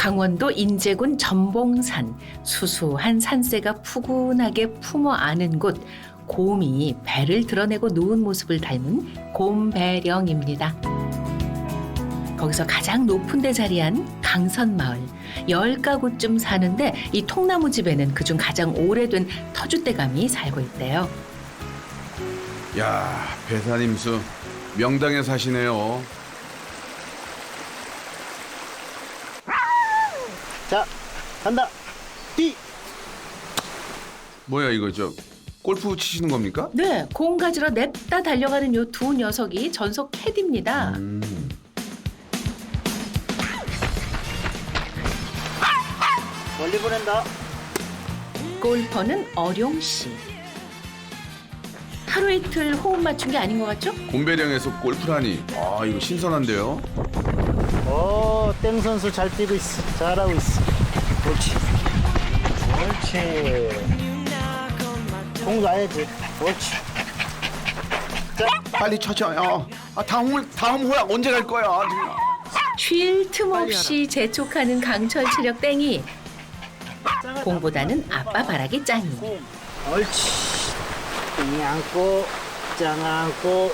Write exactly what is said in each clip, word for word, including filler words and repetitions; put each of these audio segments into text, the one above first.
강원도 인제군 전봉산. 수수한 산새가 푸근하게 품어 안은 곳. 곰이 배를 드러내고 누운 모습을 닮은 곰배령입니다. 거기서 가장 높은 데 자리한 강선마을. 열 가구쯤 사는데 이 통나무 집에는 그중 가장 오래된 터줏대감이 살고 있대요. 야, 배산임수 명당에 사시네요. 자, 간다. 뛰. 뭐야 이거 저 골프 치시는 겁니까? 네, 공 가지러 냅다 달려가는 요 두 녀석이 전속 캐디입니다. 음. 멀리 보낸다. 골퍼는 어룡 씨. 하루 이틀 호흡 맞춘 게 아닌 것 같죠? 곰배령에서 골프라니. 아 이거 신선한데요. 오, 땡 선수 잘 뛰고 있어. 잘하고 있어. 그렇지. 그렇지. 공 놔야지. 그렇지. 빨리 쳐줘요. 아 다음 홀 다음 홀 언제 갈 거야? 정말. 쉴 틈 없이 재촉하는 강철 체력 땡이. 공보다는 아빠 바라기 짱이. 공. 옳지. 땡이 안고, 짱 안고.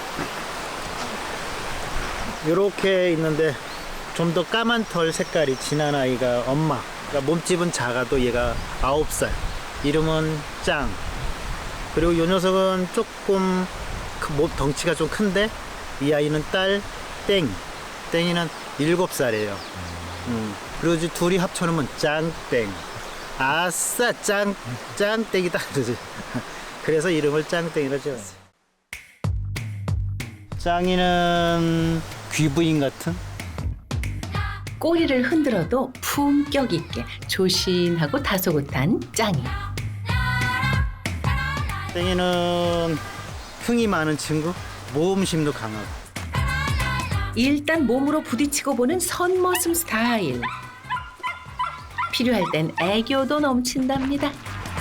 요렇게 있는데 좀 더 까만 털 색깔이 진한 아이가 엄마. 그러니까 몸집은 작아도 얘가 아홉 살. 이름은 짱. 그리고 요 녀석은 조금 그 몸 덩치가 좀 큰데 이 아이는 딸 땡. 땡이는 일곱 살이에요. 음. 그리고 이제 둘이 합쳐놓으면 짱땡. 아싸 짱 짱땡이다 그러지. 그래서 이름을 짱땡이라 지었어요. 짱이는 귀부인 같은. 꼬리를 흔들어도 품격 있게 조신하고 다소곳한 짱이. 땡이는 흥이 많은 친구, 모험심도 강하고. 일단 몸으로 부딪히고 보는 선머슴 스타일. 필요할 땐 애교도 넘친답니다.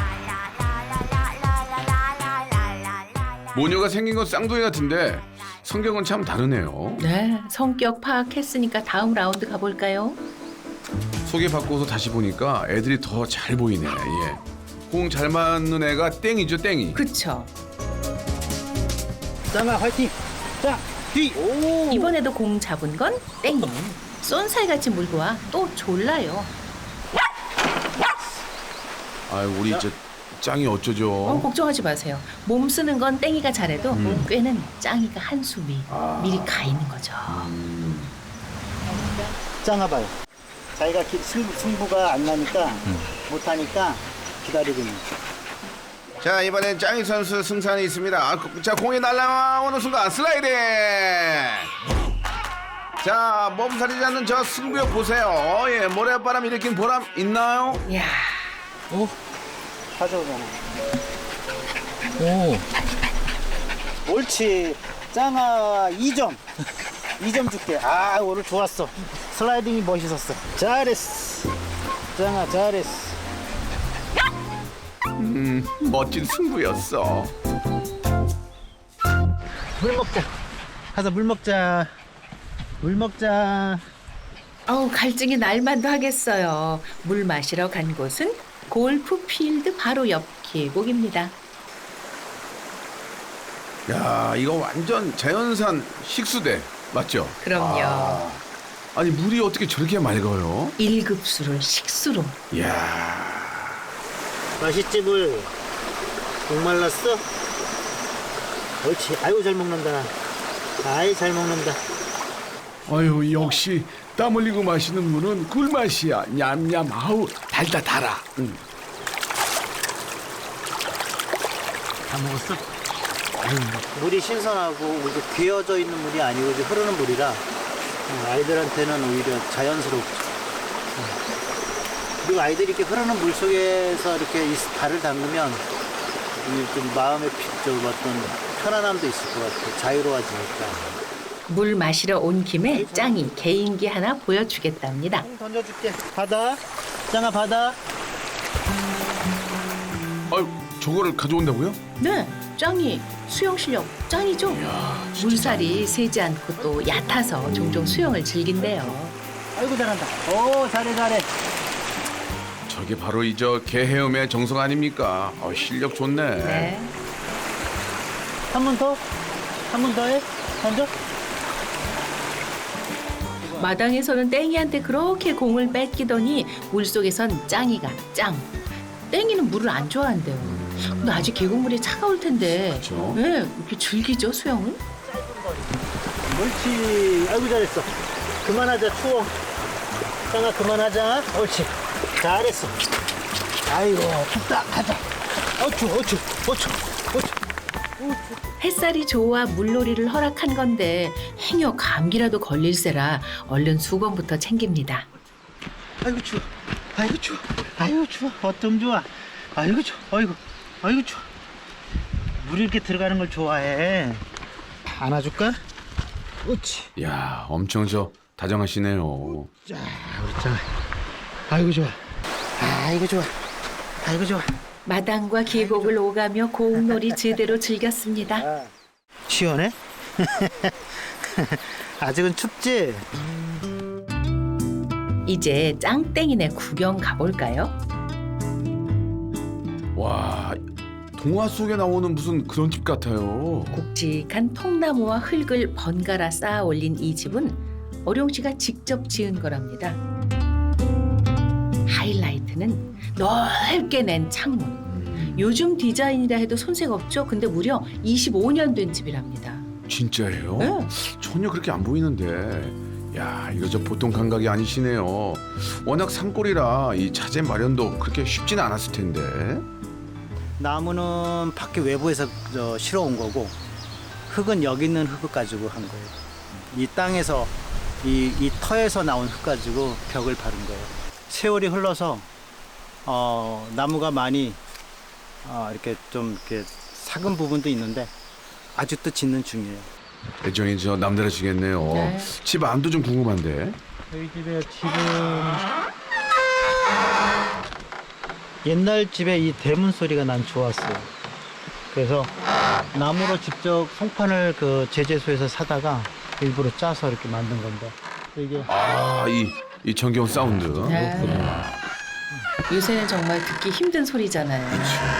모녀가 생긴 건 쌍둥이 같은데 성격은 참 다르네요. 네, 성격 파악했으니까 다음 라운드 가볼까요? 소개받고서 다시 보니까 애들이 더 잘 보이네. 예. 공 잘 맞는 애가 땡이죠, 땡이. 그쵸. 짱아 화이팅. 짱 뒤. 오. 이번에도 공 잡은 건 땡이. 쏜살같이 물고 와 또 졸라요. 아유 우리 이제 짱이 어, 어쩌죠? 걱정하지 마세요. 몸 쓰는 건 땡이가 잘해도 음. 꾀는 짱이가 한수 미, 아. 미리 가 있는 거죠. 음. 짱아 봐요. 자기가 기, 승부, 승부가 안 나니까 못하니까 기다리고 있는. 자 이번엔 짱이 선수 승산이 있습니다. 아, 자 공이 날아오는 순간 슬라이딩. 자 몸살이지 않는 저 승부욕 보세요. 예, 모래바람 일으킨 보람 있나요? 이야, 오. 가져오잖아. 오, 옳지. 짱아 이 점. 이 점 줄게. 아 오늘 좋았어. 슬라이딩이 멋있었어. 잘했어. 짱아 잘했어. 음 멋진 승부였어. 물 먹자. 가서 물 먹자. 물 먹자. 어우 갈증이 날만도 하겠어요. 물 마시러 간 곳은 골프 필드 바로 옆 계곡입니다. 야 이거 완전 자연산 식수대 맞죠? 그럼요. 아, 아니 물이 어떻게 저렇게 맑아요? 일 급수를 식수로. 이야. 맛있지 물. 목 말랐어? 옳지. 아이고 잘 먹는다. 아이 잘 먹는다. 아유 역시 땀 흘리고 마시는 물은 꿀맛이야. 냠냠 아우 달다 달아. 응. 다 먹었어? 물이 신선하고 이게 귀어져 있는 물이 아니고 이제 흐르는 물이라 아이들한테는 오히려 자연스럽죠. 그리고 아이들이 이렇게 흐르는 물 속에서 이렇게 이 발을 담그면 이좀 마음의 피- 좀 어떤 편안함도 있을 것 같아요. 자유로워지니까. 물 마시러 온 김에 짱이 개인기 하나 보여주겠답니다. 던져줄게. 바다. 짱아 바다. 아유 저거를 가져온다고요? 네, 짱이 수영 실력 짱이죠. 물살이 세지 않고 또 얕아서 종종 수영을 즐긴대요. 아이고 잘한다. 오 잘해 잘해. 저게 바로 이 저 개 헤엄의 정성 아닙니까? 어, 실력 좋네. 네. 한 번 더? 한 번 더 해? 던져? 마당에서는 땡이한테 그렇게 공을 뺏기더니 물속에선 짱이가 짱. 땡이는 물을 안 좋아한대요. 근데 아직 계곡물이 차가울 텐데 그쵸. 왜 이렇게 즐기죠 수영은? 옳지. 아이고 잘했어. 그만하자 추워. 짱아 그만하자. 옳지. 잘했어. 아이고 춥다 가자. 어쭈 어쭈 어쭈 어쭈. 햇살이 좋아 물놀이를 허락한 건데 행여 감기라도 걸릴세라 얼른 수건부터 챙깁니다. 아이고 추워. 아이고 추워. 아이고 추워. 어쩜 좋아. 아이고 추워. 아이고 아이고 추워. 물 이렇게 들어가는 걸 좋아해. 안아줄까? 옳지. 야, 엄청 저 다정하시네요. 자, 우리 짱. 아이고 좋아. 아이고 좋아. 아이고 좋아. 마당과 계곡을 오가며 고흥놀이 제대로 즐겼습니다. 시원해? 아직은 춥지? 이제 짱땡이네 구경 가볼까요? 와, 동화 속에 나오는 무슨 그런 집 같아요. 굵직한 통나무와 흙을 번갈아 쌓아 올린 이 집은 어룡 씨가 직접 지은 거랍니다. 하이라이트는 넓게 낸 창문. 요즘 디자인이라 해도 손색 없죠. 근데 무려 이십오 년 된 집이랍니다. 진짜예요? 네. 전혀 그렇게 안 보이는데. 야, 이거 저 보통 감각이 아니시네요. 워낙 산골이라 이 자재 마련도 그렇게 쉽지는 않았을 텐데. 나무는 밖에 외부에서 저 실어 온 거고 흙은 여기 있는 흙을 가지고 한 거예요. 이 땅에서 이, 이 터에서 나온 흙 가지고 벽을 바른 거예요. 세월이 흘러서 어, 나무가 많이 어, 이렇게 좀 이렇게 삭은 부분도 있는데 아직도 짓는 중이에요. 애정이 저 남다르시겠네요. 네. 집 안도 좀 궁금한데. 저희 집에 지금 옛날 집에 이 대문 소리가 난 좋았어요. 그래서 나무로 직접 송판을 그 제재소에서 사다가 일부러 짜서 이렇게 만든 건데 이게 아, 이, 이 정겨운 사운드. 네. 요새는 정말 듣기 힘든 소리잖아요.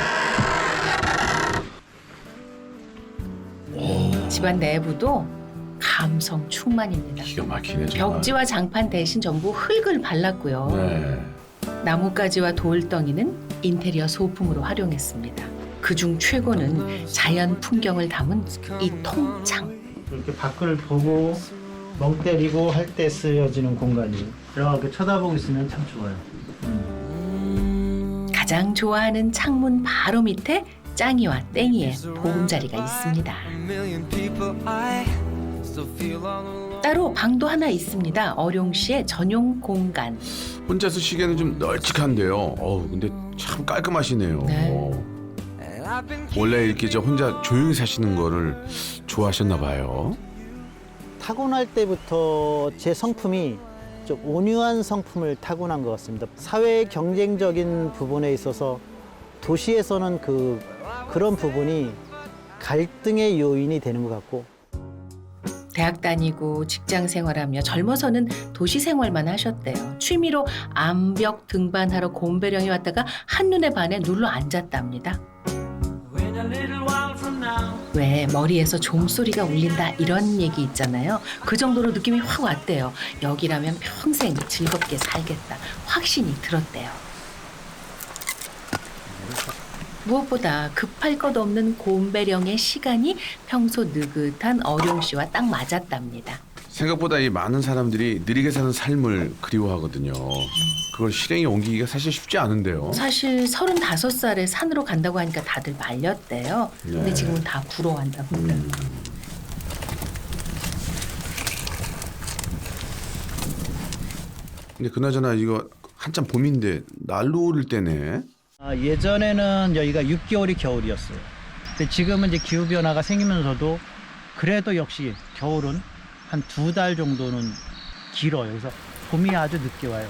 집안 내부도 감성 충만입니다. 기가 막히네 정말. 벽지와 장판 대신 전부 흙을 발랐고요. 네. 나뭇가지와 돌덩이는 인테리어 소품으로 활용했습니다. 그중 최고는 자연 풍경을 담은 이 통창. 이렇게 밖을 보고 멍 때리고 할 때 쓰여지는 공간이 이렇게 쳐다보고 있으면 참 좋아요. 가장 좋아하는 창문 바로 밑에 짱이와 땡이의 보금자리가 있습니다. 따로 방도 하나 있습니다. 어룡 씨의 전용 공간. 혼자 쓰시기에는 좀 널찍한데요. 어우, 근데 참 깔끔하시네요. 네. 원래 이렇게 저 혼자 조용히 사시는 거를 좋아하셨나 봐요. 타고날 때부터 제 성품이 좀 온유한 성품을 타고난 것 같습니다. 사회 경쟁적인 부분에 있어서 도시에서는 그 그런 부분이 갈등의 요인이 되는 것 같고. 대학 다니고 직장 생활하며 젊어서는 도시 생활만 하셨대요. 취미로 암벽 등반하러 곰배령에 왔다가 한눈에 반해 눌러 앉았답니다. 왜 머리에서 종소리가 울린다 이런 얘기 있잖아요. 그 정도로 느낌이 확 왔대요. 여기라면 평생 즐겁게 살겠다 확신이 들었대요. 무엇보다 급할 것 없는 곰배령의 시간이 평소 느긋한 어룡 씨와 딱 맞았답니다. 생각보다 이 많은 사람들이 느리게 사는 삶을 그리워하거든요. 그걸 실행에 옮기기가 사실 쉽지 않은데요. 사실 서른다섯 살에 산으로 간다고 하니까 다들 말렸대요. 근데 네. 지금은 다 부러워한답니다. 음. 근데 그나저나 이거 한참 봄인데 난로 오를 때네. 아, 예전에는 여기가 육 개월이 겨울이었어요. 근데 지금은 이제 기후 변화가 생기면서도 그래도 역시 겨울은 한 두 달 정도는 길어요. 그래서 봄이 아주 늦게 와요.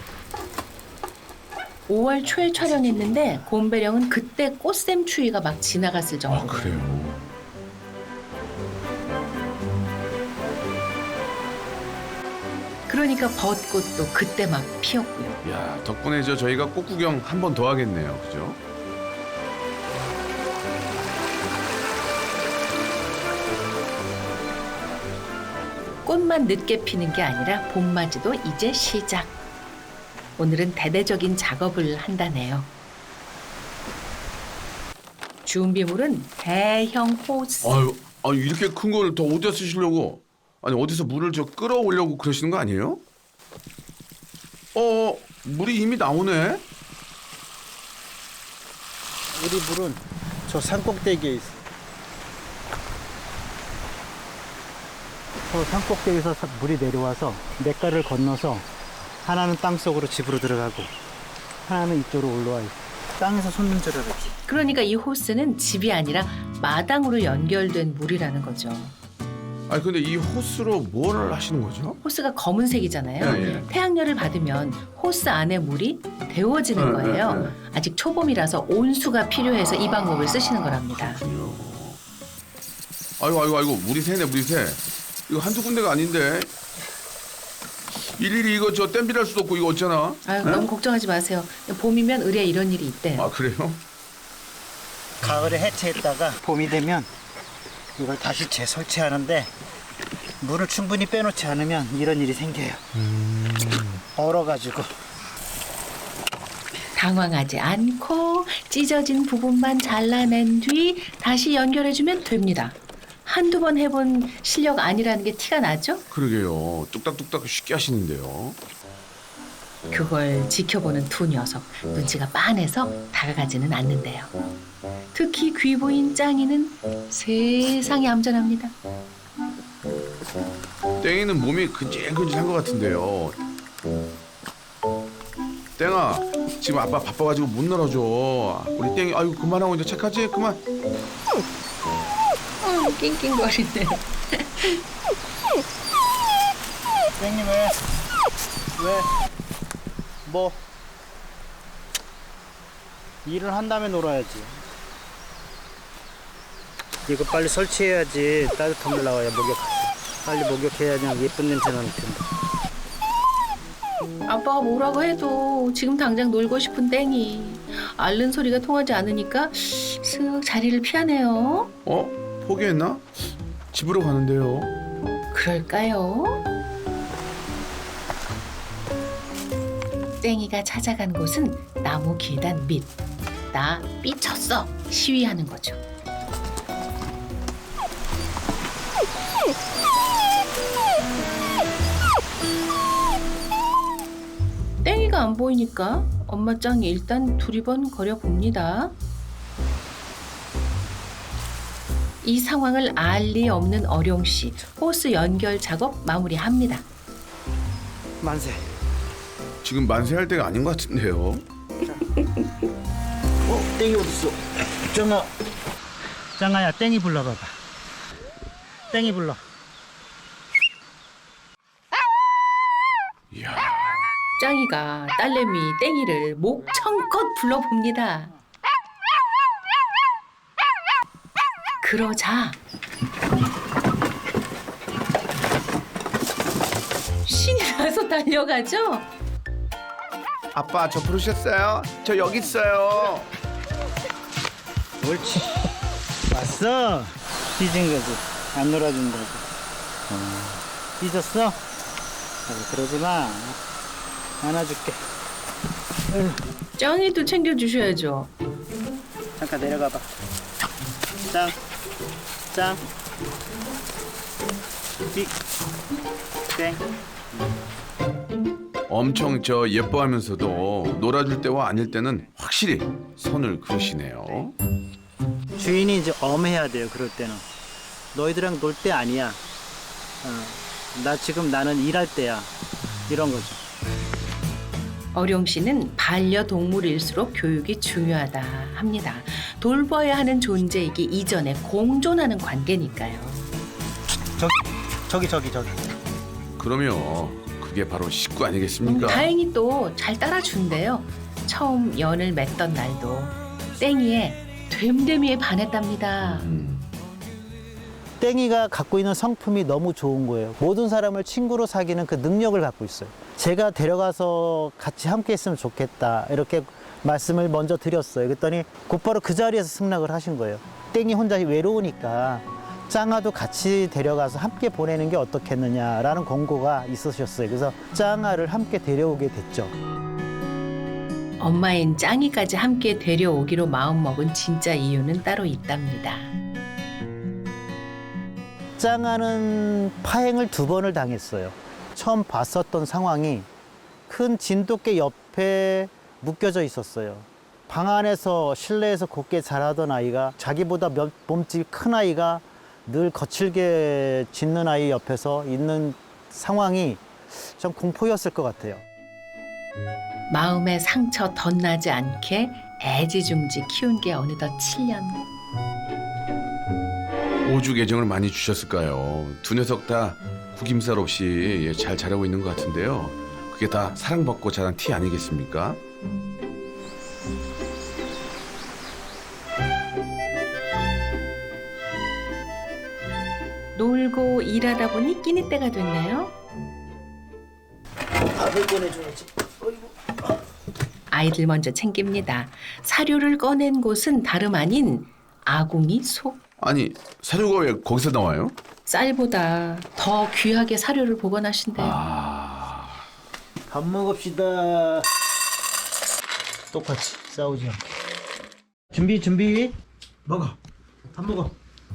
오월 초에 촬영했는데 곰배령은 그때 꽃샘 추위가 막 지나갔을 아, 정도로. 그래요. 그러니까 벚꽃도 그때 막 피었고요. 야, 덕분에 저 저희가 꽃 구경 한 번 더 하겠네요. 그죠? 꽃만 늦게 피는 게 아니라 봄맞이도 이제 시작. 오늘은 대대적인 작업을 한다네요. 준비물은 대형 호스. 아유, 아유 이렇게 큰 걸 더 어디다 쓰시려고? 아니 어디서 물을 저 끌어오려고 그러시는 거 아니에요? 어, 물이 이미 나오네. 우리 물은 저 산꼭대기에 있어. 저 산꼭대기에서 사- 물이 내려와서 냇가를 건너서 하나는 땅속으로 집으로 들어가고 하나는 이쪽으로 올라와 있어. 땅에서 솟는 줄 알았지. 그러니까 이 호스는 집이 아니라 마당으로 연결된 물이라는 거죠. 아니 근데 이 호스로 뭘 하시는 거죠? 호스가 검은색이잖아요. 예, 예. 태양열을 받으면 호스 안에 물이 데워지는 예, 거예요. 예, 예. 아직 초봄이라서 온수가 필요해서 이 방법을 쓰시는 거랍니다. 아이고 아이고 아이고 물이 새네 물이 새. 이거 한두 군데가 아닌데. 일일이 이거 저 땜질할 수도 없고 이거 어쩌나? 아유, 네? 너무 걱정하지 마세요. 봄이면 의뢰 이런 일이 있대요. 아 그래요? 가을에 해체했다가 봄이 되면 이걸 다시 재설치하는데 물을 충분히 빼놓지 않으면 이런 일이 생겨요. 얼어가지고. 당황하지 않고 찢어진 부분만 잘라낸 뒤 다시 연결해주면 됩니다. 한두 번 해본 실력 아니라는 게 티가 나죠? 그러게요. 뚝딱뚝딱 쉽게 하시는데요. 그걸 지켜보는 두 녀석 눈치가 빤해서 다가가지는 않는데요. 특히 귀보인 짱이는 세상에 얌전합니다. 땡이는 몸이 근질근질한 것 같은데요. 땡아, 지금 아빠 바빠가지고 못 놀아줘. 우리 땡이, 아유 그만하고 이제 착하지? 그만. 음, 낑낑거리네. 땡님 왜? 왜? 뭐? 일을 한 다음에 놀아야지. 이거 빨리 설치해야지 따뜻한 물 나와야 목욕. 빨리 목욕해야지 예쁜 냄새 나는 텐데. 아빠가 뭐라고 해도 지금 당장 놀고 싶은 땡이 앓는 소리가 통하지 않으니까 슥 자리를 피하네요. 어? 포기했나? 집으로 가는데요. 그럴까요? 땡이가 찾아간 곳은 나무 계단 밑. 나 삐쳤어 시위하는 거죠. 땡이가 안 보이니까 엄마 짱이 일단 두리번 거려봅니다. 이 상황을 알 리 없는 어룡씨 호스 연결 작업 마무리합니다. 만세. 지금 만세할 때가 아닌 것 같은데요. 어? 땡이 어딨어? 짱아. 짱아야 땡이 불러봐봐. 땡이 불러. 이야, 짱이가 딸내미 땡이를 목청껏 불러봅니다. 그러자 신이 나서 달려가죠. 아빠 저 부르셨어요? 저 여기 있어요. 옳지. 왔어. 삐진 거지. 안 놀아준다고. 삐졌어? 아이, 그러지 마. 안아줄게. 짱이도 챙겨주셔야죠. 잠깐 내려가봐. 짱. 짱. 삐. 땡. 엄청 저 예뻐하면서도 놀아줄 때와 아닐 때는 확실히 선을 그으시네요. 주인이 이제 엄해야 돼요. 그럴 때는. 너희들이랑 놀 때 아니야. 어, 나 지금 나는 일할 때야. 이런 거죠. 어룡 씨는 반려동물일수록 교육이 중요하다 합니다. 돌봐야 하는 존재이기 이전에 공존하는 관계니까요. 저기 저기 저기 저기. 그러면 그게 바로 식구 음, 아니겠습니까? 다행히 또 잘 따라준대요. 처음 연을 맺던 날도 땡이의 됨됨이에 반했답니다. 음. 땡이가 갖고 있는 성품이 너무 좋은 거예요. 모든 사람을 친구로 사귀는 그 능력을 갖고 있어요. 제가 데려가서 같이 함께 했으면 좋겠다 이렇게 말씀을 먼저 드렸어요. 그랬더니 곧바로 그 자리에서 승낙을 하신 거예요. 땡이 혼자 외로우니까 짱아도 같이 데려가서 함께 보내는 게 어떻겠느냐라는 권고가 있으셨어요. 그래서 짱아를 함께 데려오게 됐죠. 엄마인 짱이까지 함께 데려오기로 마음먹은 진짜 이유는 따로 있답니다. 짱아는 파행을 두 번을 당했어요. 처음 봤었던 상황이 큰 진돗개 옆에 묶여져 있었어요. 방 안에서 실내에서 곱게 자라던 아이가 자기보다 몇 몸집 큰 아이가 늘 거칠게 짖는 아이 옆에서 있는 상황이 좀 공포였을 것 같아요. 마음의 상처 덧나지 않게 애지중지 키운 게 어느덧 칠 년. 오죽 애정을 많이 주셨을까요? 두 녀석 다 구김살 없이 예, 잘 자라고 있는 것 같은데요. 그게 다 사랑받고 자란 티 아니겠습니까? 놀고 일하다 보니 끼니 때가 됐네요. 밥을 꺼내줘야지. 아이들 먼저 챙깁니다. 사료를 꺼낸 곳은 다름 아닌 아궁이 속. 아니 사료가 왜 거기서 나와요? 쌀보다 더 귀하게 사료를 보관하신대요. 아... 밥 먹읍시다. 똑같이 싸우지 않게. 준비 준비. 먹어. 밥 먹어.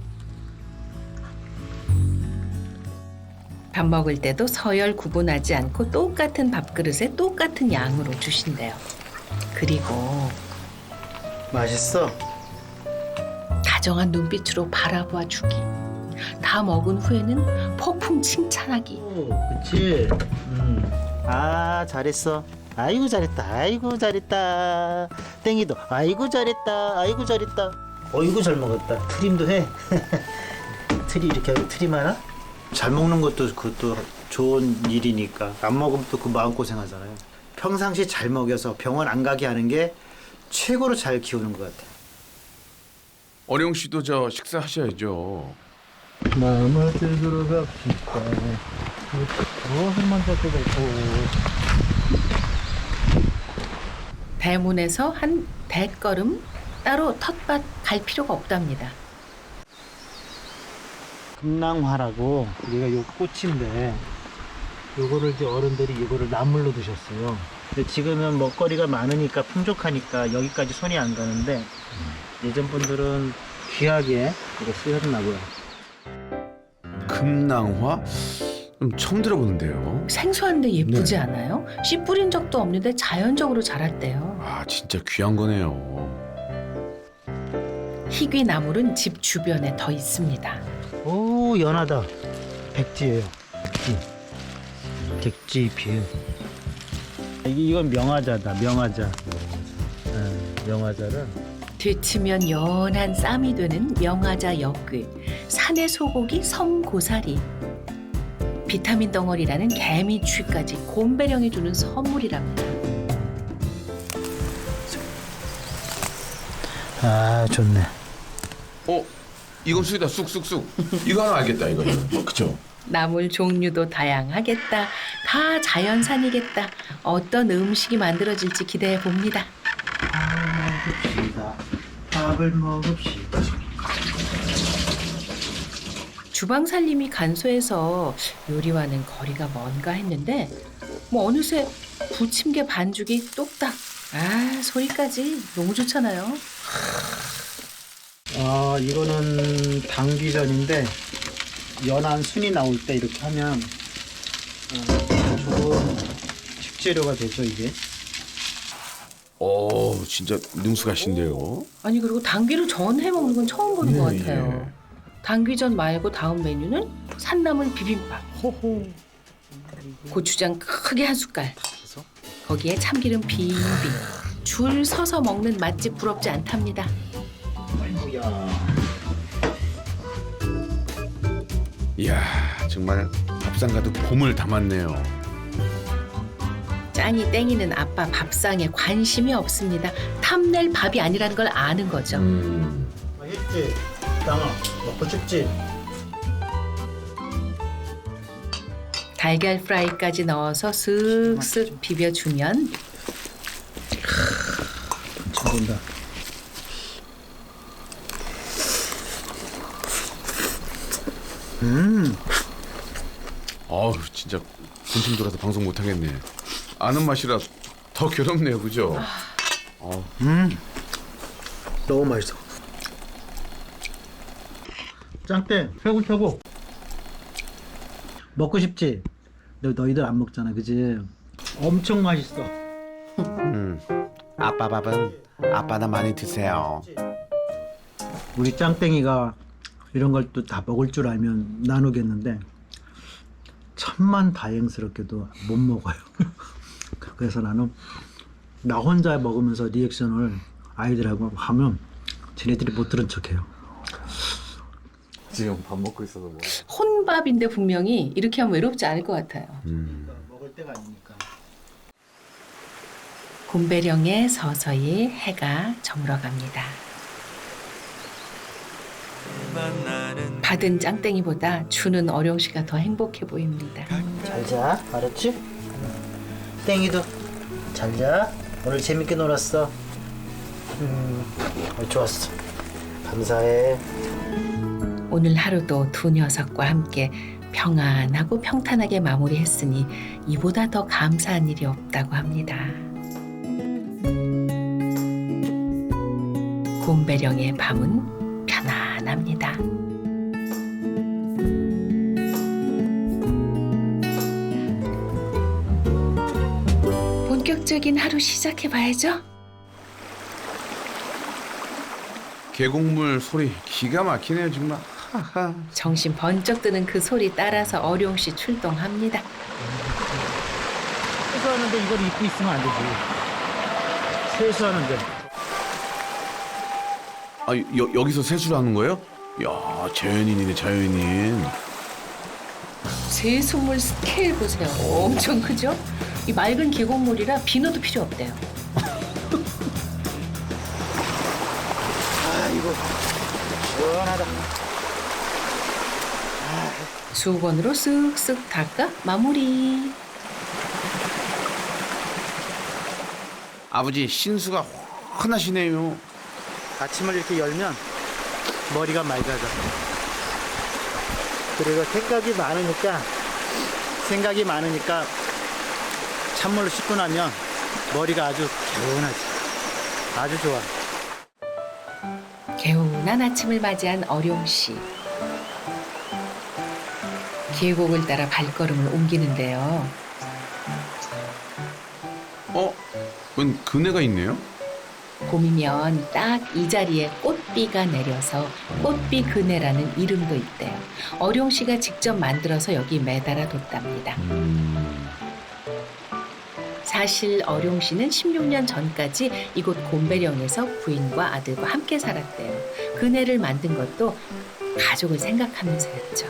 밥 먹을 때도 서열 구분하지 않고 똑같은 밥그릇에 똑같은 양으로 주신대요. 그리고 맛있어. 다정한 눈빛으로 바라봐 주기. 다 먹은 후에는 폭풍 칭찬하기. 오, 그치. 음. 아, 잘했어. 아이고 잘했다. 아이고 잘했다. 땡이도 아이고 잘했다. 아이고 잘했다. 어이구 잘 먹었다. 트림도 해. 트리 이렇게 하고 트림 하나? 잘 먹는 것도 그것도 좋은 일이니까 안 먹으면 또 그 마음고생 하잖아요. 평상시 잘 먹여서 병원 안 가게 하는 게 최고로 잘 키우는 것 같아요. 어령 씨도 저 식사하셔야죠. 마음을 들으러 갑시다. 무엇을 먼저 뜯을고. 대문에서 한 대걸음 따로 텃밭 갈 필요가 없답니다. 금낭화라고 우리가 요 꽃인데 요거를 이제 어른들이 이거를 나물로 드셨어요. 근데 지금은 먹거리가 많으니까 풍족하니까 여기까지 손이 안 가는데 예전 분들은 귀하게 이거 쓰셨나 봐요. 금낭화? 좀 처음 들어보는데요. 생소한데 예쁘지 네. 않아요? 씨 뿌린 적도 없는데 자연적으로 자랐대요. 아 진짜 귀한 거네요. 희귀 나물은 집 주변에 더 있습니다. 오 연하다. 백지예요. 백지. 백지잎이에요. 이- 이건 명화자다. 명화자. 음, 명화자를 데치면 연한 쌈이 되는 명화자 엿글, 산의 소고기 섬고사리, 비타민 덩어리라는 개미취까지 곰배령이 주는 선물이랍니다. 아 좋네. 어? 이건 수이다 쑥쑥쑥. 이거 하나 알겠다 이거는. 어, 그쵸? 나물 종류도 다양하겠다. 다 자연산이겠다. 어떤 음식이 만들어질지 기대해 봅니다. 먹읍시다. 밥을 먹읍시다. 주방 살림이 간소해서 요리와는 거리가 먼가 했는데 뭐 어느새 부침개 반죽이 뚝딱. 아 소리까지 너무 좋잖아요. 아 이거는 당귀전인데 연한 순이 나올 때 이렇게 하면 어, 좋은 식재료가 되죠 이게. 오 진짜 능숙하신데요. 아니 그리고 당귀를 전해 먹는 건 처음 보는 예, 것 같아요. 당귀전 말고 다음 메뉴는 산나물 비빔밥. 호호. 고추장 크게 한 숟갈. 해서 거기에 참기름 빙빙. 줄 서서 먹는 맛집 부럽지 않답니다. 아이고야. 이야 정말 밥상 가득 봄을 담았네요. 짱이 땡이는 아빠 밥상에 관심이 없습니다. 탐낼 밥이 아니라는 걸 아는 거죠. 음. 맛있지? 땅아 먹고 싶지? 달걀 프라이까지 넣어서 슥슥 비벼주면 참 본다. 음, 어우 진짜 군침 돌아서 방송 못 하겠네. 아는 맛이라 더 괴롭네요, 그죠? 어. 음, 너무 맛있어. 짱땡 최고 최고. 먹고 싶지? 너 너희들 안 먹잖아, 그지? 엄청 맛있어. 음. 아빠 밥은 아빠나 많이 드세요. 우리 짱땡이가 이런 걸 또 다 먹을 줄 알면 나누겠는데 천만 다행스럽게도 못 먹어요. 그래서 나는 나 혼자 먹으면서 리액션을 아이들하고 하면 쟤네들이 못 들은 척해요. 지금 밥 먹고 있어서 뭐. 혼밥인데 분명히 이렇게 하면 외롭지 않을 것 같아요. 음. 먹을 때가 아니니까. 곰배령에 서서히 해가 저물어갑니다. 받은 짱땡이보다 주는 어룡 씨가 더 행복해 보입니다. 잘 자, 알았지? 땡이도 잘 자. 오늘 재밌게 놀았어. 음, 어, 좋았어. 감사해. 오늘 하루도 두 녀석과 함께 평안하고 평탄하게 마무리했으니 이보다 더 감사한 일이 없다고 합니다. 곰배령의 밤은 편안합니다. 본격적인 하루 시작해봐야죠. 계곡물 소리 기가 막히네요, 정말. 하하. 정신 번쩍 드는 그 소리 따라서 어룡 씨 출동합니다. 세수하는데 이걸 입고 있으면 안 되지. 세수하는데. 아, 여, 여기서 세수를 하는 거예요? 야, 자연인이네, 자연인. 세수물 스케일 보세요. 엄청 크죠? 이 맑은 계곡물이라 비누도 필요 없대요. 아이고, 시원하다. 수건으로 쓱쓱 닦아 마무리. 아버지 신수가 환하시네요. 아침을 이렇게 열면 머리가 맑아져. 그리고 생각이 많으니까 생각이 많으니까 찬물로 씻고 나면 머리가 아주 개운하지. 아주 좋아. 개운한 아침을 맞이한 어룡 씨. 계곡을 따라 발걸음을 옮기는데요. 어? 웬 그네가 있네요? 봄이면 딱 이 자리에 꽃비가 내려서 꽃비 그네라는 이름도 있대요. 어룡 씨가 직접 만들어서 여기 매달아 뒀답니다. 음. 사실 어룡 씨는 십육 년 전까지 이곳 곰배령에서 부인과 아들과 함께 살았대요. 그네를 만든 것도 가족을 생각하면서였죠.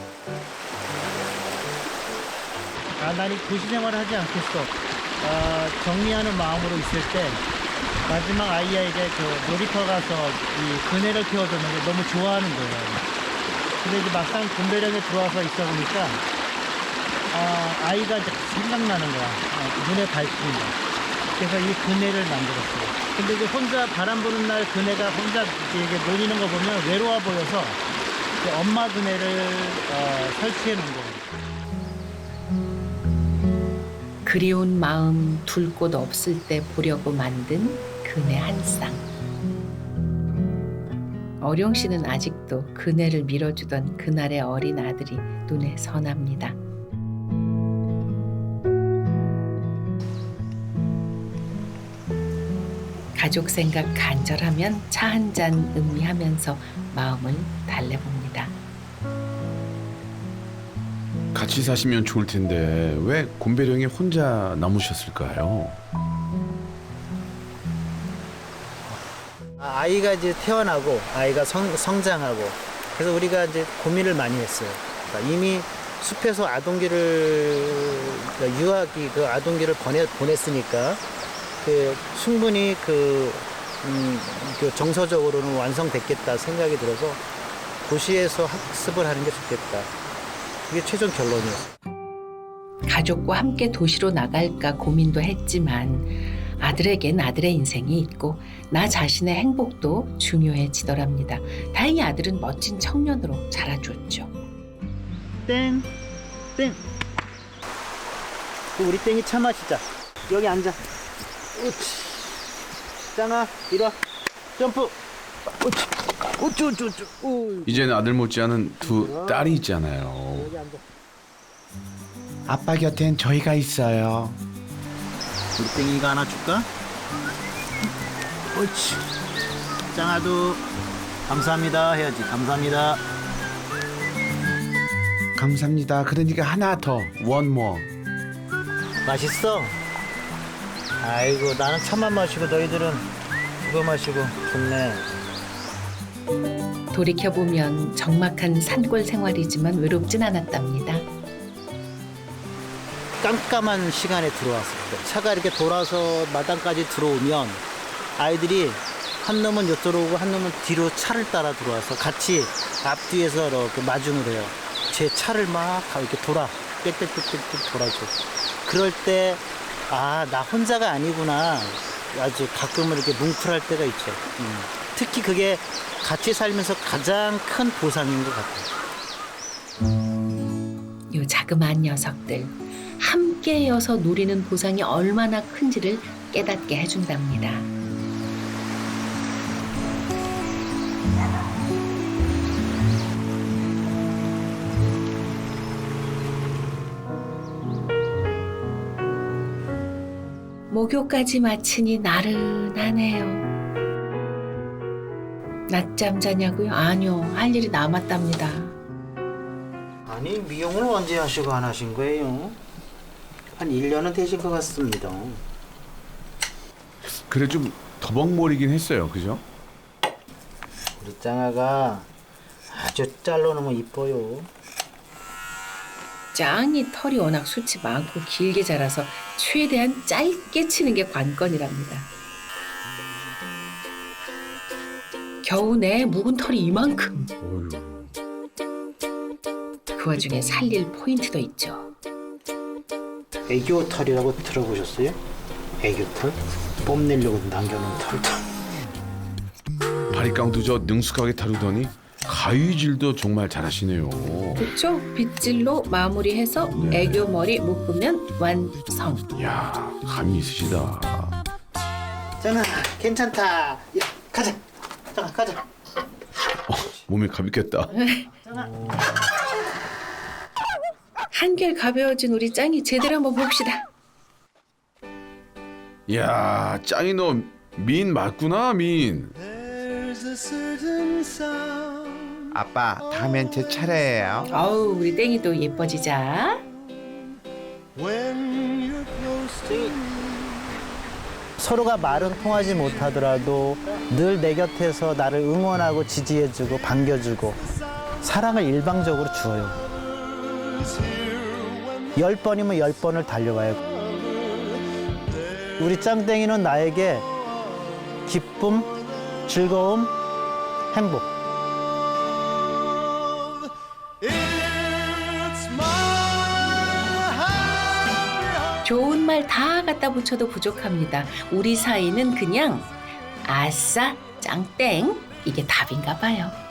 아, 난 이 도시 생활을 하지 않겠어. 아, 정리하는 마음으로 있을 때 마지막 아이에게 그 놀이터 가서 이 그네를 태워주는 걸 너무 좋아하는 거예요. 근데 이제 막상 곰배령에 들어와서 있어 보니까 아, 아이가 이제 생각나는 거야. 아, 눈에 밟힌다. 그래서 이 그네를 만들었어요. 근데 이제 혼자 바람 부는 날 그네가 혼자 이렇게 놀리는 거 보면 외로워 보여서 그 엄마 그네를 어, 설치해 놓은 거예요. 그리운 마음 둘 곳 없을 때 보려고 만든 그네 한 쌍. 어룡 씨는 아직도 그네를 밀어주던 그날의 어린 아들이 눈에 선합니다. 가족 생각 간절하면 차 한 잔 음미하면서 마음을 달래봅니다. 같이 사시면 좋을 텐데 왜 곰배령에 혼자 남으셨을까요? 아이가 이제 태어나고 아이가 성, 성장하고 그래서 우리가 이제 고민을 많이 했어요. 그러니까 이미 숲에서 아동기를 그러니까 유아기 그 아동기를 보내, 보냈으니까 그 충분히 그, 음, 그 정서적으로는 완성됐겠다 생각이 들어서 도시에서 학습을 하는 게 좋겠다. 그게 최종 결론이었어요. 가족과 함께 도시로 나갈까 고민도 했지만 아들에겐 아들의 인생이 있고 나 자신의 행복도 중요해지더랍니다. 다행히 아들은 멋진 청년으로 자라줬죠. 땡, 땡. 우리 땡이 차 마시자. 여기 앉아. 우치. 짱아, 이리 와. 점프. 우치. 우쭈, 우쭈, 우쭈. 우. 이제는 아들 못지않은 두 딸이 있잖아요. 여기 앉아. 아빠 곁엔 저희가 있어요. 우리 땡이가 하나 줄까? 옳지. 짱아도 감사합니다 해야지. 감사합니다. 감사합니다. 그러니까 하나 더. One more. 맛있어? 아이고 나는 차만 마시고 너희들은 그거 마시고 좋네. 돌이켜보면 적막한 산골 생활이지만 외롭진 않았답니다. 깜깜한 시간에 들어왔을 때 차가 이렇게 돌아서 마당까지 들어오면 아이들이 한 놈은 요쪽으로 오고 한 놈은 뒤로 차를 따라 들어와서 같이 앞뒤에서 이렇게 마중을 해요. 제 차를 막 이렇게 돌아 빽빽빽빽 돌아줘. 그럴 때 아, 나 혼자가 아니구나. 아주 가끔은 이렇게 뭉클할 때가 있죠. 음. 특히 그게 같이 살면서 가장 큰 보상인 것 같아요. 요 자그마한 녀석들 함께여서 누리는 보상이 얼마나 큰지를 깨닫게 해준답니다. 목요까지 마치니 나른하네요. 낮잠 자냐고요? 아니요, 할 일이 남았답니다. 아니 미용을 언제 하시고 안 하신 거예요? 한 일 년은 되신 것 같습니다. 그래 좀 더벅머리긴 했어요. 그죠? 우리 짱아가 아주 잘라놓으면 이뻐요. 짱이 털이 워낙 숱이 많고 길게 자라서 최대한 짧게 치는 게 관건이랍니다. 겨우내 묵은 털이 이만큼. 어휴. 그 와중에 살릴 포인트도 있죠. 애교 털이라고 들어보셨어요? 애교 털? 뽐내려고 남겨놓은 털. 바리깡도 저 능숙하게 다루더니 가위질도 정말 잘하시네요. 그렇죠? 빗질로 마무리해서 네. 애교 머리 묶으면 완성. 이야 감이 있으시다. 짱아 괜찮다. 야, 가자. 짱아 가자. 몸이 가볍겠다. 한결 가벼워진 우리 짱이 제대로 한번 봅시다. 이야 짱이 너 미인 맞구나 미인. 아빠, 다음엔 제 차례예요. 아우 우리 땡이도 예뻐지자. 서로가 말은 통하지 못하더라도 늘 내 곁에서 나를 응원하고 지지해주고 반겨주고 사랑을 일방적으로 주어요. 열 번이면 열 번을 달려와요. 우리 짱땡이는 나에게 기쁨, 즐거움, 행복. 좋은 말 다 갖다 붙여도 부족합니다. 우리 사이는 그냥 아싸 짱땡 이게 답인가 봐요.